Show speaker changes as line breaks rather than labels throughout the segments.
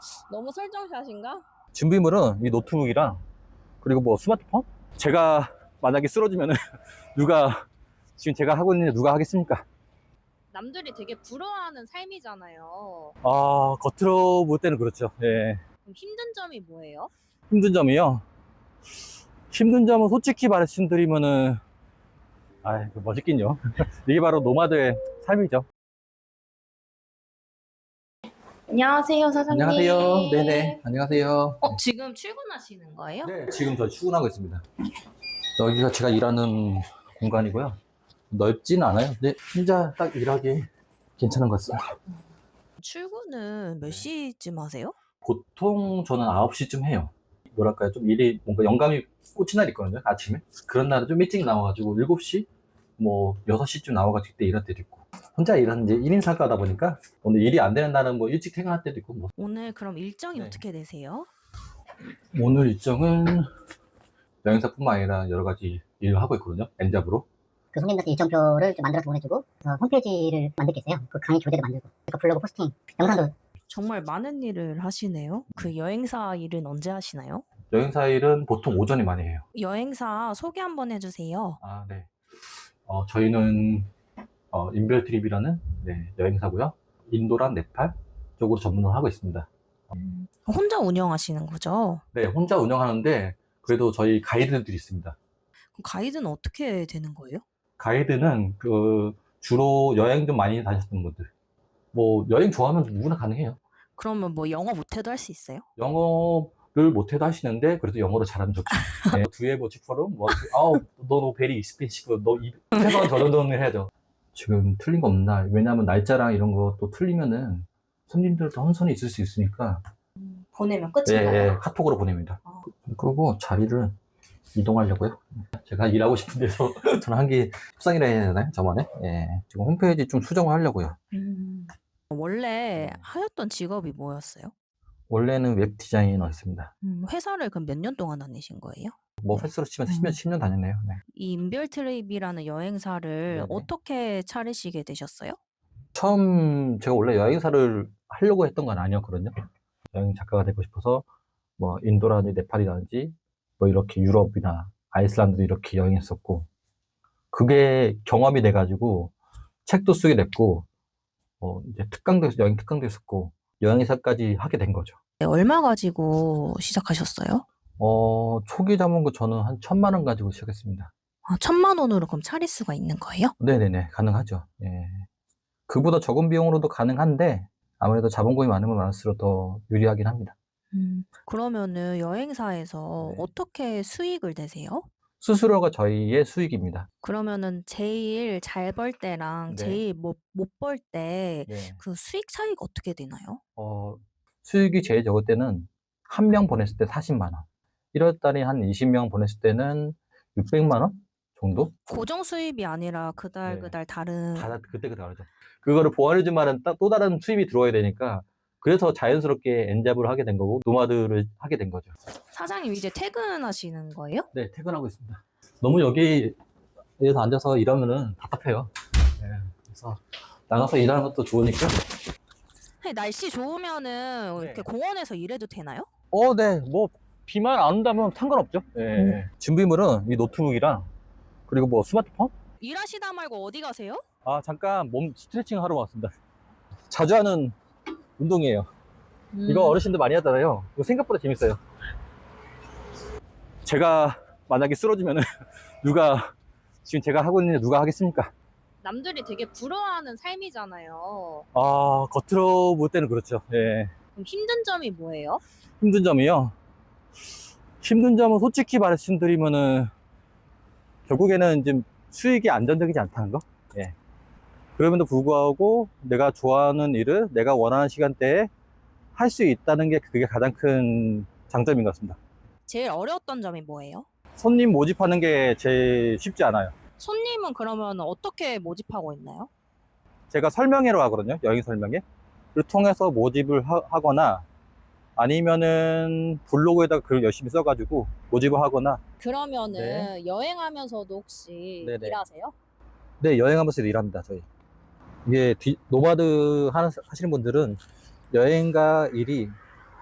너무 설정샷인가?
준비물은 이 노트북이랑 그리고 뭐 스마트폰? 제가 만약에 쓰러지면은 누가 지금 제가 하고 있는 일 누가 하겠습니까?
남들이 되게 부러워하는 삶이잖아요.
아, 겉으로 볼 때는 그렇죠. 예.
그럼 힘든 점이 뭐예요?
힘든 점이요. 힘든 점은 솔직히 말씀드리면은 멋있긴요. 이게 바로 노마드의 삶이죠.
안녕하세요, 사장님.
안녕하세요. 네네. 안녕하세요.
지금 출근하시는 거예요?
네, 지금 저 출근하고 있습니다. 여기가 제가 일하는 공간이고요. 넓지는 않아요. 근데 혼자 딱 일하기 괜찮은 것 같습니다.
출근은 몇 시쯤 하세요?
보통 저는 9시쯤 해요. 뭐랄까요. 좀 일이 뭔가 영감이 꽂힌 날 있거든요. 아침에. 그런 날은 좀 일찍 나와가지고 7시, 뭐 6시쯤 나와가지고 그때 일할 때도 있고. 혼자 일하는 이제 1인 상가다 보니까 오늘 일이 안 되는 날은 뭐 일찍 퇴근할 때도 있고 뭐.
오늘 그럼 일정이
네.
어떻게 되세요?
오늘 일정은 여행사뿐만 아니라 여러 가지 일을 하고 있거든요. 엔잡으로.
그 손님들한테 일정표를 좀 만들어서 보내주고 홈페이지를 만들 게 있어요. 그 강의 교재도 만들고 그 블로그 포스팅, 영상도.
정말 많은 일을 하시네요. 그 여행사 일은 언제 하시나요?
여행사 일은 보통 오전에 많이 해요.
여행사 소개 한번 해주세요.
아, 네. 저희는 인별트립이라는 여행사고요. 인도랑 네팔 쪽으로 전문을 하고 있습니다.
혼자 운영하시는 거죠?
네, 혼자 운영하는데 그래도 저희 가이드들이 있습니다.
그럼 가이드는 어떻게 되는 거예요?
가이드는 주로 여행 좀 많이 다녔던 분들. 뭐 여행 좋아하면 누구나 가능해요.
그러면 뭐 영어 못해도 할 수 있어요?
영어를 못해도 하시는데 그래도 영어를 잘하면 좋죠. 네, 두에버 치퍼름 너 베리 익스펜시브 너 최소한 저 정도는 해야죠. 지금 틀린 거 없나? 왜냐하면 날짜랑 이런 것도 틀리면은 손님들도 혼선이 있을 수 있으니까
보내면
예,
끝인가요?
카톡으로 보냅니다. 그리고 자리를 이동하려고요. 제가 일하고 싶은 데서 저는 한 게 협상이라 해야 되나요? 저만에? 예. 지금 홈페이지 좀 수정을 하려고요.
원래 하였던 직업이 뭐였어요?
원래는 웹 디자이너였습니다.
회사를 그럼 몇 년 동안 다니신 거예요?
뭐 횟수로 치면 10년 다녔네요. 네.
이 인별트립이라는 여행사를
네네.
어떻게 차리시게 되셨어요?
처음 제가 원래 여행사를 하려고 했던 건 아니었거든요. 여행 작가가 되고 싶어서 뭐 인도라든지 네팔이라든지 뭐 이렇게 유럽이나 아이슬란드도 이렇게 여행했었고 그게 경험이 돼가지고 책도 쓰게 됐고 이제 여행 특강도 했었고 여행사까지 하게 된 거죠.
네, 얼마 가지고 시작하셨어요?
초기 자본금 저는 한 1,000만 원 가지고 시작했습니다.
1,000만 원으로 그럼 차릴 수가 있는 거예요?
네네네, 가능하죠. 예. 그보다 적은 비용으로도 가능한데 아무래도 자본금이 많으면 많을수록 더 유리하긴 합니다.
그러면은 여행사에서
네.
어떻게 수익을 내세요?
수수료가 저희의 수익입니다.
그러면은 제일 잘 벌 때랑
네.
제일 못 벌 때
네.
그 수익 차이가 어떻게 되나요?
수익이 제일 적을 때는 한 명 보냈을 때 40만 원. 1월 달에 한 20명 보냈을 때는 600만 원 정도?
고정 수입이 아니라 그달
네.
그달 다른.
그때 다르죠. 그거를 보완해주면 또 다른 수입이 들어와야 되니까 그래서 자연스럽게 엔잡을 하게 된 거고 노마드를 하게 된 거죠.
사장님 이제 퇴근하시는 거예요?
네, 퇴근하고 있습니다. 너무 여기에서 앉아서 일하면은 답답해요. 네, 그래서 나가서 일하는 것도 좋으니까.
날씨 좋으면은
네.
이렇게 공원에서 일해도 되나요?
네, 뭐 비만 안 온다면 상관없죠. 네. 준비물은 이 노트북이랑 그리고 뭐 스마트폰?
일하시다 말고 어디 가세요?
잠깐 몸 스트레칭 하러 왔습니다. 자주 하는 운동이에요. 이거 어르신들 많이 하잖아요. 이거 생각보다 재밌어요. 제가 만약에 쓰러지면은 누가 지금 제가 하고 있는 일 누가 하겠습니까?
남들이 되게 부러워하는 삶이잖아요.
겉으로 볼 때는 그렇죠. 예.
그럼 힘든 점이 뭐예요?
힘든 점이요. 힘든 점은 솔직히 말씀드리면은 결국에는 좀 수익이 안정적이지 않다는 거. 예. 그럼에도 불구하고 내가 좋아하는 일을 내가 원하는 시간대에 할 수 있다는 게 그게 가장 큰 장점인 것 같습니다.
제일 어려웠던 점이 뭐예요?
손님 모집하는 게 제일 쉽지 않아요.
손님은 그러면 어떻게 모집하고 있나요?
제가 설명회로 하거든요. 여행 설명회. 를 통해서 모집을 하거나 아니면은 블로그에다가 글을 열심히 써가지고 모집을 하거나.
그러면은
네.
여행하면서도 혹시
네네.
일하세요?
네, 여행하면서 일합니다, 저희. 이게 노마드 하시는 분들은 여행과 일이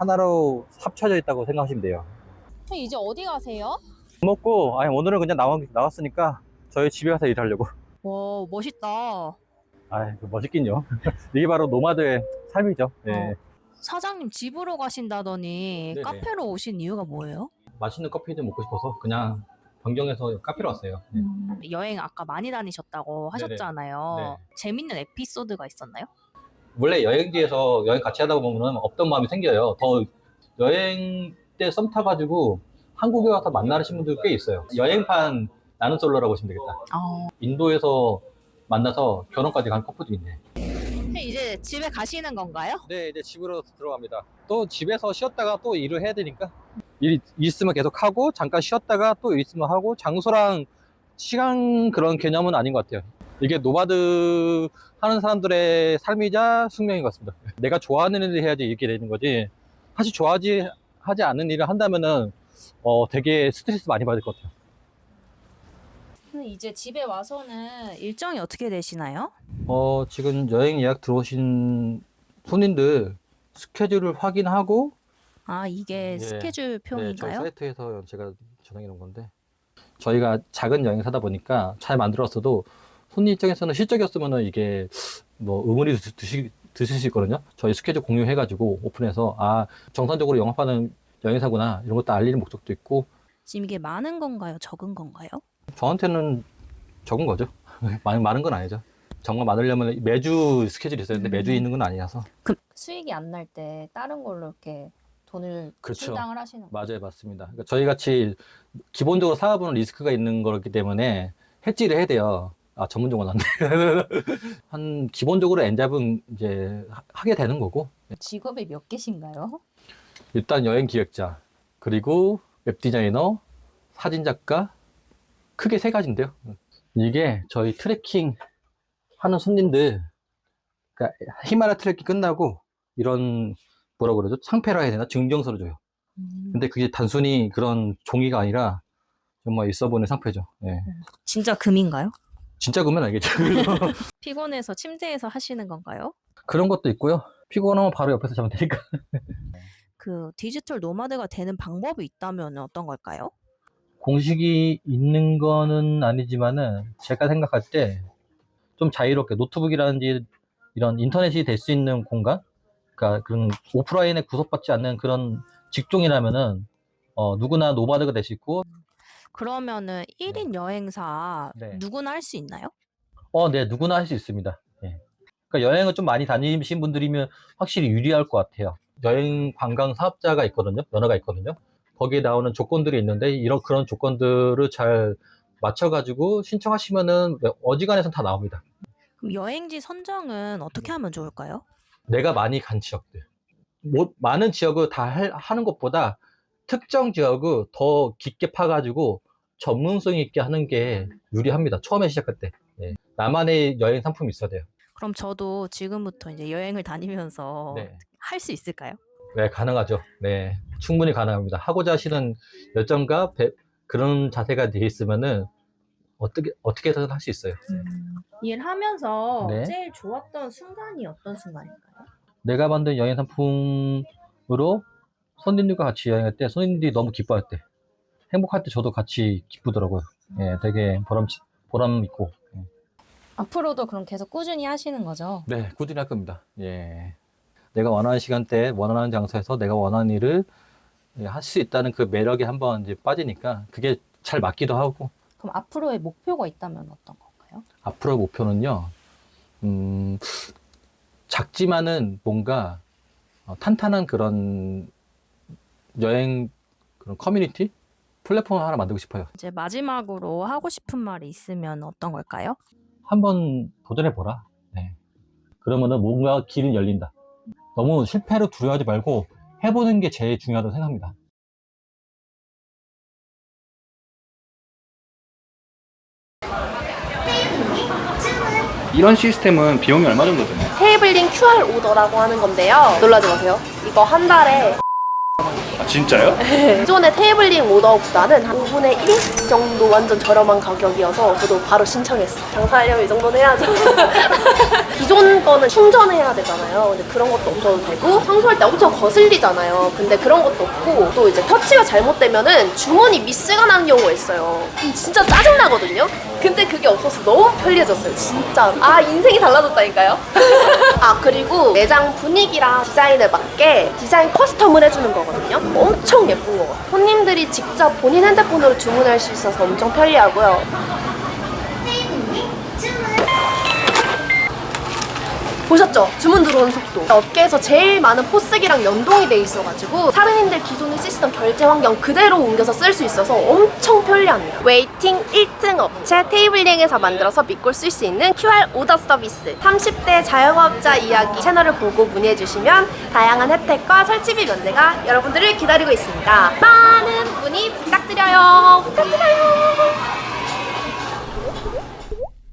하나로 합쳐져 있다고 생각하시면 돼요.
이제 어디 가세요?
밥 먹고, 아니, 오늘은 그냥 나왔으니까 저희 집에 가서 일하려고.
와, 멋있다.
아, 멋있긴요. 이게 바로 노마드의 삶이죠. 네.
사장님 집으로 가신다더니
네네.
카페로 오신 이유가 뭐예요?
맛있는 커피 좀 먹고 싶어서 그냥 변경해서 카페로 왔어요. 네.
여행 아까 많이 다니셨다고
네네.
하셨잖아요.
네.
재밌는 에피소드가 있었나요?
원래 여행지에서 여행 같이 하다 보면 없던 마음이 생겨요. 더 여행 때 썸 타가지고 한국에 와서 만나시는 분들 꽤 있어요. 여행판 나는 솔로라고 보시면 되겠다. 인도에서 만나서 결혼까지 간 커플도 있네.
이제 집에 가시는 건가요?
네, 이제 집으로 들어갑니다. 또 집에서 쉬었다가 또 일을 해야 되니까 일 있으면 계속 하고 잠깐 쉬었다가 또 일 있으면 하고 장소랑 시간 그런 개념은 아닌 것 같아요. 이게 노마드 하는 사람들의 삶이자 숙명인 것 같습니다. 내가 좋아하는 일을 해야지 이렇게 되는 거지. 사실 하지 않는 일을 한다면은 되게 스트레스 많이 받을 것 같아요.
이제 집에 와서는 일정이 어떻게 되시나요?
지금 여행 예약 들어오신 손님들 스케줄을 확인하고
이게
예.
스케줄
네, 저희
표인가요?
사이트에서 제가 전화해 놓은 건데 저희가 작은 여행사다 보니까 잘 만들었어도 손님 입장에서는 실적이었으면 이게 뭐 의문이 드실 수 있거든요. 저희 스케줄 공유해가지고 오픈해서 정상적으로 영업하는 여행사구나 이런 것도 알리는 목적도 있고.
지금 이게 많은 건가요? 적은 건가요?
저한테는 적은 거죠. 많은 건 아니죠. 정말 많으려면 매주 스케줄이 있어야 되는데 매주 있는 건 아니라서.
그럼 수익이 안 날 때 다른 걸로 이렇게 돈을
그렇죠.
충당을 하시는 거예요?
맞아요, 맞습니다. 그러니까 저희 같이 기본적으로 사업은 리스크가 있는 거기 때문에 해지를 해야 돼요. 전문 용어는 안 돼. 한 기본적으로 엔잡은 이제 하게 되는 거고.
직업이 몇 개신가요?
일단 여행 기획자, 그리고 웹 디자이너, 사진 작가, 크게 세 가지인데요. 이게 저희 트레킹 하는 손님들, 그러니까 히말라야 트레킹 끝나고 이런 뭐라 그러죠? 상패라 해야 되나? 증정서를 줘요. 근데 그게 단순히 그런 종이가 아니라 정말 있어 보이는 상패죠. 예.
진짜 금인가요?
진짜 그러면 알겠죠.
피곤해서 침대에서 하시는 건가요?
그런 것도 있고요. 피곤하면 바로 옆에서 자면 되니까.
그 디지털 노마드가 되는 방법이 있다면 어떤 걸까요?
공식이 있는 거는 아니지만은 제가 생각할 때 좀 자유롭게 노트북이라든지 이런 인터넷이 될 수 있는 공간, 그러니까 그런 오프라인에 구속받지 않는 그런 직종이라면은 누구나 노마드가 될 수 있고.
그러면은 1인 여행사
네.
누구나 할 수 있나요?
네, 누구나 할 수 있습니다. 예. 그러니까 여행을 좀 많이 다니신 분들이면 확실히 유리할 것 같아요. 여행 관광 사업자가 있거든요. 면허가 있거든요. 거기에 나오는 조건들이 있는데 그런 조건들을 잘 맞춰가지고 신청하시면은 어지간해서는 다 나옵니다.
그럼 여행지 선정은 어떻게 하면 좋을까요?
내가 많이 간 지역들. 많은 지역을 다 하는 것보다 특정 지역을 더 깊게 파가지고 전문성 있게 하는 게 유리합니다. 처음에 시작할 때. 예. 나만의 여행 상품이 있어야 돼요.
그럼 저도 지금부터 이제 여행을 다니면서
네.
할 수 있을까요?
네, 가능하죠. 네, 충분히 가능합니다. 하고자 하시는 열정과 그런 자세가 돼 있으면은 어떻게 해서든 할 수 있어요.
일하면서
네.
제일 좋았던 순간이 어떤 순간인가요?
내가 만든 여행 상품으로 손님들과 같이 여행할 때 손님들이 너무 기뻐할 때, 행복할 때 저도 같이 기쁘더라고요. 예, 되게 보람 있고. 예.
앞으로도 그럼 계속 꾸준히 하시는 거죠?
네, 꾸준히 할 겁니다. 예. 내가 원하는 시간대에 원하는 장소에서 내가 원하는 일을 할 수 있다는 그 매력에 한번 이제 빠지니까 그게 잘 맞기도 하고.
그럼 앞으로의 목표가 있다면 어떤 건가요?
앞으로 목표는요, 작지만은 뭔가 탄탄한 그런 여행 그런 커뮤니티 플랫폼 하나 만들고 싶어요.
이제 마지막으로 하고 싶은 말이 있으면 어떤 걸까요?
한번 도전해보라. 네. 그러면은 뭔가 길은 열린다. 너무 실패를 두려워하지 말고 해보는 게 제일 중요하다고 생각합니다.
이런 시스템은 비용이 얼마 정도 드나요?
테이블링 QR 오더라고 하는 건데요. 놀라지 마세요. 이거 한 달에
아, 진짜요?
기존의 테이블링 오더보다는 한 5분의 1 정도 완전 저렴한 가격이어서 저도 바로 신청했어요. 장사하려면 이 정도는 해야죠. 기존 거는 충전해야 되잖아요. 근데 그런 것도 없어도 되고 청소할 때 엄청 거슬리잖아요. 근데 그런 것도 없고 또 이제 터치가 잘못되면은 주머니 미스가 나는 경우가 있어요. 진짜 짜증나거든요. 근데 그게 없어서 너무 편리해졌어요. 진짜. 아, 인생이 달라졌다니까요. 아, 그리고 매장 분위기랑 디자인에 맞게 디자인 커스텀을 해주는 거거든요. 엄청 예쁜 거 같아요. 손님들이 직접 본인 핸드폰으로 주문할 수 있어서 엄청 편리하고요. 보셨죠? 주문 들어오는 속도. 업계에서 제일 많은 포스기랑 연동이 돼 있어가지고 사장님들 기존의 시스템 결제 환경 그대로 옮겨서 쓸 수 있어서 엄청 편리합니다. 웨이팅 1등 업체 테이블링에서 만들어서 믿고 쓸 수 있는 QR 오더 서비스. 30대 자영업자 이야기 채널을 보고 문의해주시면 다양한 혜택과 설치비 면제가 여러분들을 기다리고 있습니다. 많은 문의 부탁드려요. 부탁드려요.